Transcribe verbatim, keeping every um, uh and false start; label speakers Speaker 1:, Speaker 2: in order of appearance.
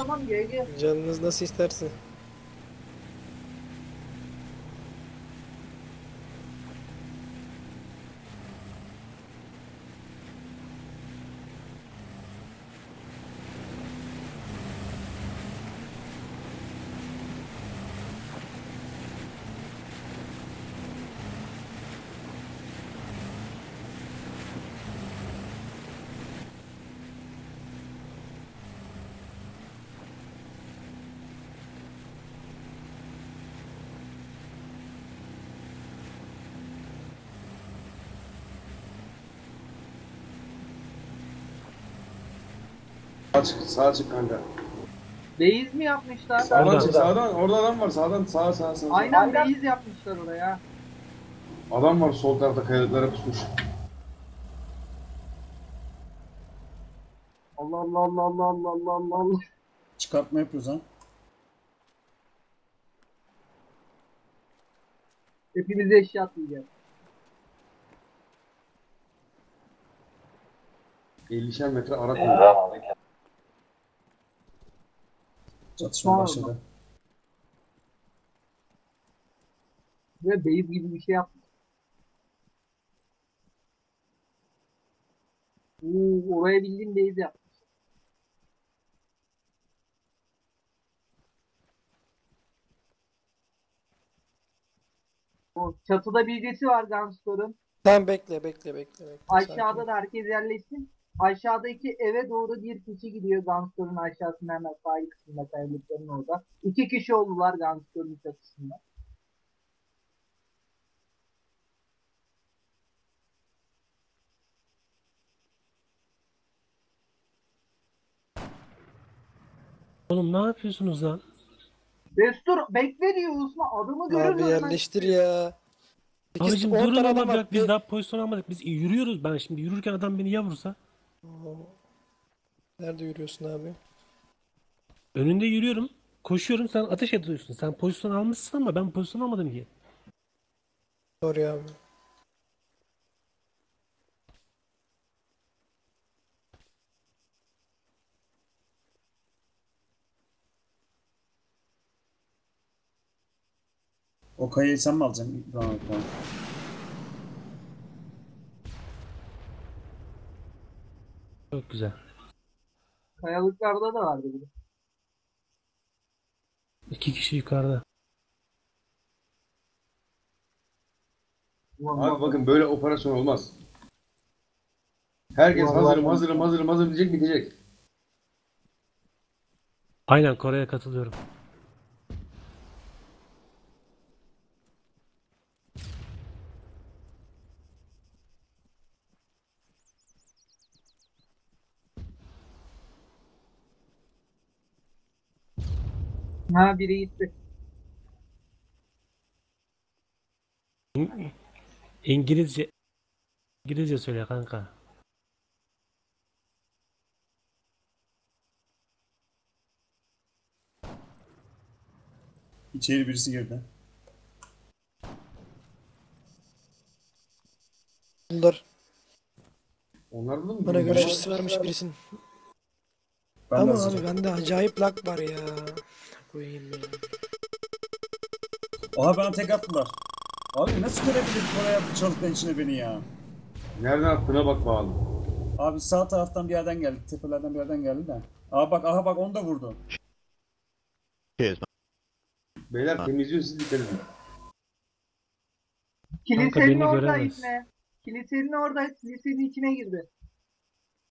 Speaker 1: tamam G G.
Speaker 2: Canınız nasıl isterse.
Speaker 3: Sağa çık, sağa çık kanka.
Speaker 1: Base mi yapmışlar?
Speaker 3: Sağdan
Speaker 4: Orada.
Speaker 3: çık, sağdan. Orada adam var, sağdan, sağa, sağa, sağa.
Speaker 1: Aynen base yapmışlar oraya.
Speaker 3: Adam var sol tarafta kayalıklara pusmuş.
Speaker 1: Allah Allah Allah Allah Allah Allah Allah Allah.
Speaker 5: Çıkartma yapıyoruz ha.
Speaker 1: Hepimize eşya atlayacağız.
Speaker 3: ellişer metre ara koyuyor.
Speaker 5: Çatışma başladı.
Speaker 1: Ve base gibi bir şey yapmış. Oo, oraya bildiğin base yapmış. O çatıda bilgisi var Gunstor'un.
Speaker 2: Tamam bekle bekle bekle. bekle.
Speaker 1: Aşağıda
Speaker 2: Sakin.
Speaker 1: da herkes yerleşsin. Aşağıdaki eve doğru bir kişi gidiyor Gunstor'un aşağısında hemen sahil kısmında kayalıkların orada. İki kişi oldular Gunstor'un çatısında.
Speaker 4: Oğlum ne yapıyorsunuz lan?
Speaker 1: Destur bekle diyor Osman adamı görür
Speaker 2: Abi
Speaker 1: görmez.
Speaker 2: yerleştir ya. sekiz
Speaker 4: Abicim
Speaker 2: on
Speaker 4: durun
Speaker 2: tane
Speaker 4: oğlum
Speaker 2: adam var.
Speaker 4: bak biz
Speaker 2: Bir-
Speaker 4: daha pozisyon almadık. Biz yürüyoruz. Ben şimdi yürürken adam beni ya vursa.
Speaker 2: Oo. Nerede yürüyorsun abi?
Speaker 4: Önünde yürüyorum. Koşuyorum sen ateş ediyorsun. Sen pozisyon almışsın ama ben pozisyon almadım ki.
Speaker 2: Sorry abi.
Speaker 5: O kayayı sen mi alacaksın? Tamam tamam.
Speaker 4: Çok güzel.
Speaker 1: Kayalıklarda da vardı bir de.
Speaker 4: İki kişi yukarıda.
Speaker 1: Ulan
Speaker 3: Abi
Speaker 1: bak-
Speaker 3: bakın böyle operasyon olmaz. Herkes
Speaker 1: Vallahi-
Speaker 3: hazırım, hazırım, hazırım, hazırım diyecek, bitecek.
Speaker 4: Aynen Kore'ye katılıyorum.
Speaker 1: Ha biri gitti.
Speaker 4: İngilizce İngilizce söyle kanka.
Speaker 5: İçeri birisi girdi.
Speaker 2: Bunlar
Speaker 3: Onlar da mı?
Speaker 2: bana
Speaker 3: bilmiyorum.
Speaker 2: görüş açısı vermiş birisinin.
Speaker 5: Ben de
Speaker 2: Ama
Speaker 5: hazırım.
Speaker 2: abi bende acayip lag var ya. Koyayım ya.
Speaker 5: Oha bana tek attılar. Abi nasıl görebilir Koray yaptı çalıkların içine beni ya?
Speaker 3: Nereden attığına bak bağlı.
Speaker 5: Abi sağ taraftan bir yerden geldi. Tepelerden bir yerden geldi de. Aha bak aha bak onu da vurdu.
Speaker 3: Beyler temizliyor, siz dikkat edin.
Speaker 1: Kilisenin
Speaker 4: beni
Speaker 1: orada
Speaker 4: göremez.
Speaker 1: içine. Kilisenin orada kilisenin içine girdi.